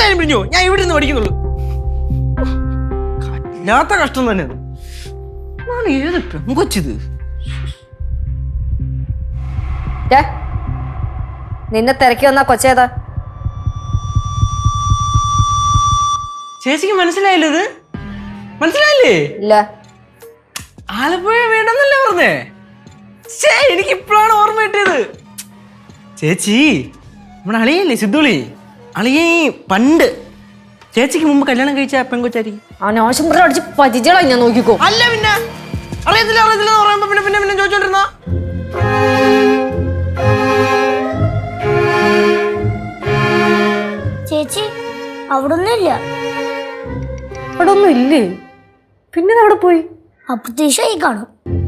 എന്തായാലും പിരിഞ്ഞു. ഞാൻ ഇവിടെ നിന്ന് പഠിക്കുന്നുള്ളൂ. ഇല്ലാത്ത കഷ്ടം തന്നെ. ഏത് പെങ്കൊച്ചിത്? നിന്നെ തിരക്കി വന്നാ കൊച്ചേതാ? ചേച്ചിക്ക് മനസ്സിലായില്ല? ഇത് മനസ്സിലായില്ലേ? ഇല്ല. ആലപ്പുഴ വീടെന്നല്ലേ പറഞ്ഞേ? എനിക്ക് ഇപ്പോഴാണ് ഓർമ്മ കിട്ടിയത്. ചേച്ചി നമ്മുടെ അളിയല്ലേ സിദ്ധുളി, അളിയ പണ്ട് ചേച്ചിക്ക് മുമ്പ് കല്യാണം കഴിച്ച പെങ്കൊച്ചായിരിക്കും. അവനാശം അടിച്ച് പതിച്ചോളാം ഞാൻ നോക്കിക്കോ. അല്ല പിന്നെ അറിയത്തില്ല അറിയത്തില്ല എന്ന് പറയുമ്പോ പിന്നെ പിന്നെ പിന്നെ ചോദിച്ചോണ്ടിരുന്ന. ചേച്ചി അവിടെ ഒന്നുമില്ല. അവിടെ ഒന്നും ഇല്ലേ? പിന്നെ അവിടെ പോയി അപ്രതീക്ഷയായി കാണും.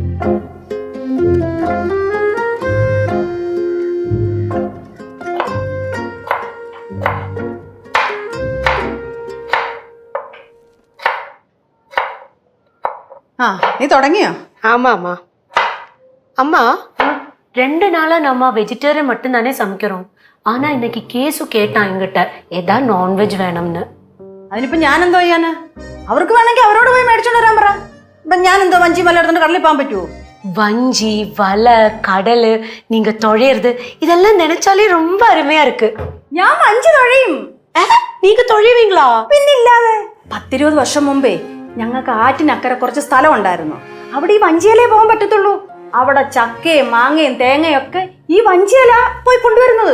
நீ தொடங்கியா? ஆமாம்மா. அம்மா 2 நாளா நம்ம வெஜிடேரியன் மட்டும் தானே சமைக்கிறோம். ஆனா இன்னைக்கு கேசு கேட்டான் என்கிட்ட ஏதா നോൺവെജ് വേണമെന്ന്. അതിനിപ്പോ ഞാൻ എന്തോ ചെയ്യാനാ? അവർക്ക് വേണമെങ്കിൽ അവരോട് പോയി മേടിച്ചോണ്ട് വരാൻ പറ. ഇപ്പൊ ഞാൻ എന്തോ വഞ്ചി വല എടുത്തോണ്ട് കടലിൽ പോകാൻ പറ്റുമോ? வஞ்சி வலை கடல் நீங்க தொழையிறது இதெல்லாம் நினைச்சாலே ரொம்ப அருமையா இருக்கு. ഞാൻ വഞ്ചി തൊഴയും. நீங்க தொழைவீங்களா? പിന്നില്ലാതെ. 10-20 വർഷം മുമ്പേ ഞങ്ങൾക്ക് ആറ്റിനക്കരെ കുറച്ച് സ്ഥലം ഉണ്ടായിരുന്നു. അവിടെ ഈ വഞ്ചിയലേ പോകാൻ പറ്റത്തുള്ളൂ. അവിടെ ചക്കയും മാങ്ങയും തേങ്ങയും ഒക്കെ ഈ വഞ്ചിയല പോയി കൊണ്ടുവരുന്നത്.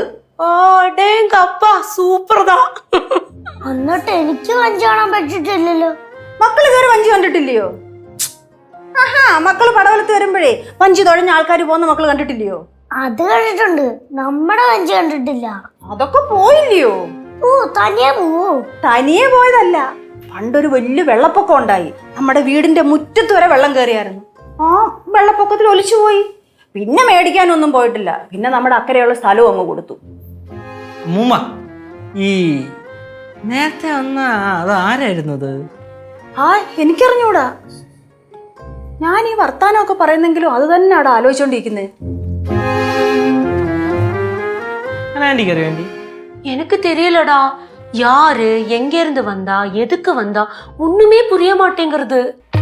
സൂപ്പർതാ. എന്നിട്ട് എനിക്ക് വഞ്ചി കാണാൻ പറ്റിട്ടില്ലല്ലോ. മക്കള് ഇതുവരെ വഞ്ചി കണ്ടിട്ടില്ലയോ? ആഹാ, മക്കള് പടവലത്ത് വരുമ്പോഴേ വഞ്ചി തുഴഞ്ഞ ആൾക്കാർ പോകുന്ന മക്കള് കണ്ടിട്ടില്ലയോ? അത് കണ്ടിട്ടുണ്ട്, നമ്മുടെ വഞ്ചി കണ്ടിട്ടില്ല. അതൊക്കെ പോയില്ലയോ? ഓ തനിയെ പോവോ? തനിയെ പോയതല്ല, പണ്ടൊരു വലിയ വെള്ളപ്പൊക്കം ഉണ്ടായി. നമ്മുടെ വീടിന്റെ മുറ്റത്ത് വരെ വെള്ളം കയറിയായിരുന്നു. ആ വെള്ളപ്പൊക്കത്തിൽ ഒലിച്ചു പോയി. പിന്നെ മേടിക്കാനൊന്നും പോയിട്ടില്ല. പിന്നെ നമ്മുടെ അക്കരെയുള്ള സ്ഥലവും അങ്ങ് കൊടുത്തു. അമ്മൂമ്മ, ഈ നേരത്തെ വന്ന അത് ആരായിരുന്നത്? ആ എനിക്കറിഞ്ഞൂടാ. ഞാൻ ഈ വർത്താനമൊക്കെ പറയുന്നെങ്കിലും അത് തന്നെ അവിടെ ആലോചിച്ചോണ്ടിരിക്കുന്നത്. വേണ്ടി எனக்கு தெரியலடா. யாரு எங்க இருந்து வந்தா எதுக்கு வந்தா ஒண்ணுமே புரிய மாட்டேங்கிறது.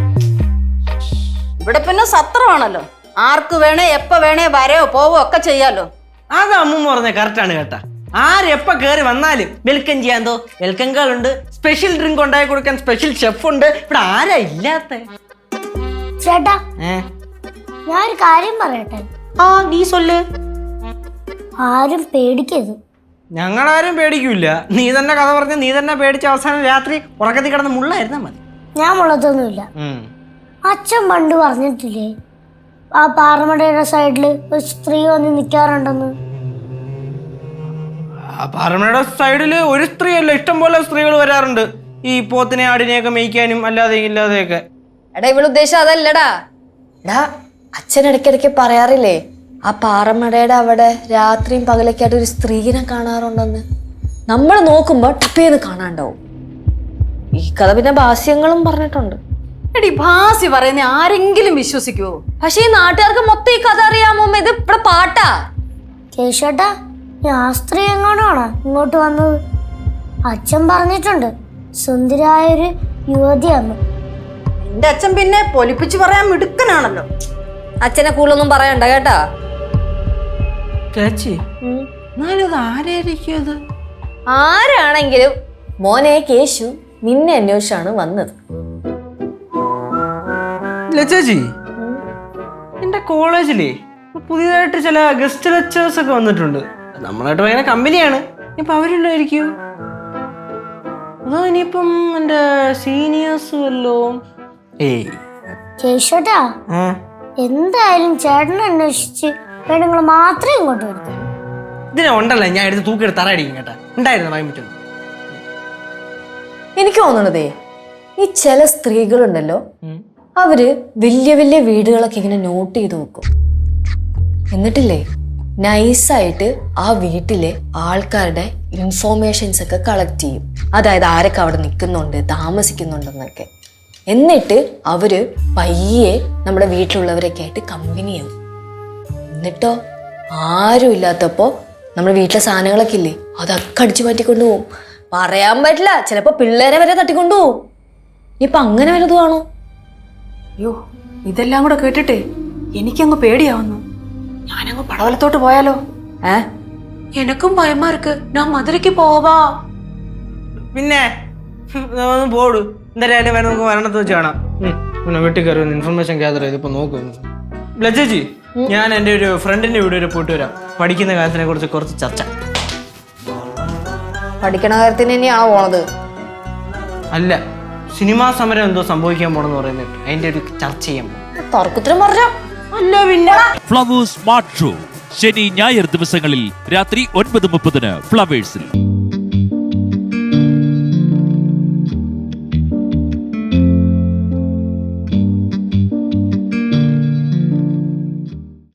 ഇവിടെ പിന്നെ സത്രമാണല്ലോ. ആർക്ക് വേണേ എപ്പ വേണേ വരയോ പോവോ ഒക്കെ ചെയ്യാലോ. അത് അമ്മൂമ്മ പറഞ്ഞ കറക്റ്റാണ് കേട്ടാ. ആരെപ്പ കയറി വന്നാലും വെൽക്കം ചെയ്യാന്തോ വെൽക്കം ഗേളുണ്ട്, സ്പെഷ്യൽ ഡ്രിങ്ക് ഉണ്ടാക്കി കൊടുക്കാൻ സ്പെഷ്യൽ ഷെഫ് ഉണ്ട്. ഇവിടെ ആരാ ഇല്ലാത്ത? ചേട്ടാ ഞാൻ ഒരു കാര്യം പറയട്ടെ. நீ சொல்லு. ആരും പേടിക്കരുത്. ഞങ്ങളാരും പേടിക്കൂല. നീ തന്നെ കഥ പറഞ്ഞ നീ തന്നെ പേടിച്ച അവസാനം രാത്രി ഉറക്കത്തിൽ കിടന്ന് മുള്ളായിരുന്നാ മതി. ഞാൻ മുളത്തൊന്നുമില്ല. അച്ഛൻ പണ്ട് പറഞ്ഞിട്ടില്ലേ ആ പാറമടയുടെ സൈഡില് ഒരു സ്ത്രീ വന്ന് നിൽക്കാറുണ്ടെന്ന്? പാറമടയുടെ സൈഡില് ഒരു സ്ത്രീ അല്ല, ഇഷ്ടം പോലെ സ്ത്രീകൾ വരാറുണ്ട്. ഈ പോത്തിനെ ആടിനെയൊക്കെ മേയ്ക്കാനും അല്ലാതെ ഇല്ലാതെയൊക്കെ. എടാ ഇവള് ഉദ്ദേശം അതല്ലടാ. എടാ അച്ഛൻ ഇടയ്ക്കിടയ്ക്ക് പറയാറില്ലേ ആ പാറമടയുടെ അവിടെ രാത്രിയും പകലൊക്കെയായിട്ട് ഒരു സ്ത്രീനെ കാണാറുണ്ടെന്ന്. നമ്മൾ നോക്കുമ്പോ ടപ്പേന്ന് കാണാണ്ടാവും. ഈ കഥ പിന്നെ ഭാസ്യങ്ങളും പറഞ്ഞിട്ടുണ്ട്. എടി ഭാസി പറയുന്ന ആരെങ്കിലും വിശ്വസിക്കുവോ? പക്ഷെ ഈ നാട്ടുകാർക്ക് മൊത്തം ഈ കഥ അറിയാമോ? ഇത് ഇവിടെ പാട്ടാ. കേശോട്ടാ ആ സ്ത്രീ എങ്ങോട്ടാണ് ഇങ്ങോട്ട് വന്നത്? അച്ഛൻ പറഞ്ഞിട്ടുണ്ട് സുന്ദരായൊരു യുവതിയാന്ന്. എന്റെ അച്ഛൻ പിന്നെ പൊലിപ്പിച്ച് പറയാൻ മിടുക്കനാണല്ലോ. അച്ഛനെ കൂടുതലൊന്നും പറയണ്ട കേട്ടാ. ചേച്ചി എന്നാലും ആരായിരിക്കും അത്? ആരാണെങ്കിലും മോനെ കേശു നിന്നെ അന്വേഷിച്ചാണ് വന്നത്. ചേച്ചി എന്റെ കോളേജിലേ പുതിയതായിട്ട് ചില ഗസ്റ്റ് ലെക്ചേഴ്സ് ഒക്കെ വന്നിട്ടുണ്ട്. നമ്മളായിട്ട് ഭയങ്കര കമ്പനിയാണ്. ഇപ്പൊ അവരുണ്ടായിരിക്കും. അതോ ഇനിയിപ്പം എന്റെ സീനിയേഴ്സ് വല്ലോ? കേശോട്ടാ എന്തായാലും ചേട്ടനെ അന്വേഷിച്ച് പെണ്ണുങ്ങൾ മാത്രമേ ഇങ്ങോട്ട് വരുത്തുള്ളൂ. ഇതിനെ ഉണ്ടല്ലോ ഞാൻ എടുത്ത് തൂക്കിയെടുത്ത് തറയടിക്കും കേട്ടാ. ഉണ്ടായിരുന്നു പറയാൻ പറ്റും. എനിക്ക് തോന്നണതേ ഈ ചില സ്ത്രീകളുണ്ടല്ലോ, അവര് വലിയ വലിയ വീടുകളൊക്കെ ഇങ്ങനെ നോട്ട് ചെയ്ത് വെക്കും. എന്നിട്ടില്ലേ നൈസായിട്ട് ആ വീട്ടിലെ ആൾക്കാരുടെ ഇൻഫോർമേഷൻസ് ഒക്കെ കളക്ട് ചെയ്യും. അതായത് ആരൊക്കെ അവിടെ നിൽക്കുന്നുണ്ട്, താമസിക്കുന്നുണ്ടെന്നൊക്കെ. എന്നിട്ട് അവര് പയ്യെ നമ്മുടെ വീട്ടിലുള്ളവരൊക്കെ ആയിട്ട് കമ്പനിയാവും. എന്നിട്ടോ ആരും ഇല്ലാത്തപ്പോ നമ്മുടെ വീട്ടിലെ സാധനങ്ങളൊക്കെ ഇല്ലേ അതൊക്കെ അടിച്ചു മാറ്റിക്കൊണ്ടു പോകും. പറയാൻ പറ്റില്ല, ചിലപ്പോ പിള്ളേരെ വരെ തട്ടിക്കൊണ്ടുപോകും. ഇപ്പൊ അങ്ങനെ വലുതുവാണോ? അയ്യോ, ഇതെല്ലാം കൂടെ കേട്ടിട്ടേ എനിക്കങ്ങ് പേടിയാവുന്നു. ഞാനങ്ങ് പടവലത്തോട്ട് പോയാലോ? எனக்கும் பயமா இருக்கு. நான் மதுரைக்கு போவா. പിന്നെ ഒന്ന് പോടു. എന്തായാലും വേണം, നമുക്ക് വരണത്ത് വെച്ച് കാണാം. പിന്നെ വീട്ടിൽ കയറി ഇൻഫർമേഷൻ ഗ്യാദർ ചെയ്തിപ്പോ നോക്കും. ലജ്ജി, ഞാൻ എൻ്റെ ഒരു ഫ്രണ്ടിന്റെ വീട് വരെ പോയിട്ട് വരാം. പഠിക്കുന്ന കാര്യത്തിനെ കുറിച്ച് കുറച്ച് ചർച്ച. പഠിക്കണ കാര്യത്തിന് തന്നെയാണോ പോണത്? അല്ല, സിനിമാ സമരം എന്തോ സംഭവിക്കാൻ പോണെന്ന് പറയുന്നത്, അതിന്റെ ഒരു ചർച്ച ചെയ്യാൻ പോകും. തർക്കത്തിനും പറഞ്ഞ അല്ല പിന്നെ ഫ്ലവേഴ്സ് സ്മാർട്ട് ഷോ ശനി ഞായർ ദിവസങ്ങളിൽ രാത്രി 9:30 ഫ്ലവേഴ്സിൽ.